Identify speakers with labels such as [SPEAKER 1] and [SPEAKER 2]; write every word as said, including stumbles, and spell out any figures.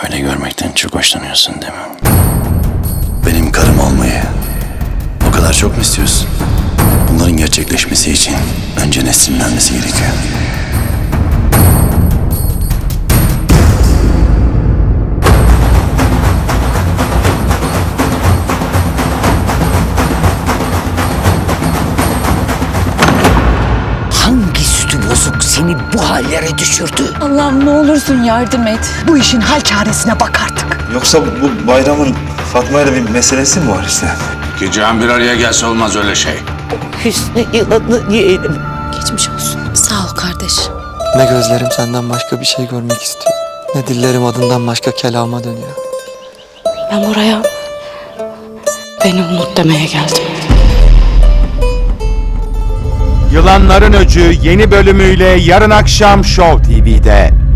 [SPEAKER 1] Böyle görmekten çok hoşlanıyorsun değil mi? Benim karım olmayı o kadar çok mu istiyorsun? Bunların gerçekleşmesi için önce Nesrin'in ölmesi gerekiyor.
[SPEAKER 2] Hangi sütü bozuk seni bu hallere düşürdü?
[SPEAKER 3] Allah'ım ne olursun yardım et.
[SPEAKER 2] Bu işin hal çaresine bak artık.
[SPEAKER 4] Yoksa bu bayramın Fatma ile bir meselesi mi var işte?
[SPEAKER 5] İki can bir araya gelse olmaz öyle şey.
[SPEAKER 2] Hüsnü yılanı yeğenim.
[SPEAKER 3] Geçmiş olsun. Sağ ol kardeş.
[SPEAKER 6] Ne gözlerim senden başka bir şey görmek istiyor, ne dillerim adından başka kelama dönüyor.
[SPEAKER 3] Ben buraya beni unut demeye geldim.
[SPEAKER 7] Yılanların Öcü yeni bölümüyle yarın akşam Show T V'de.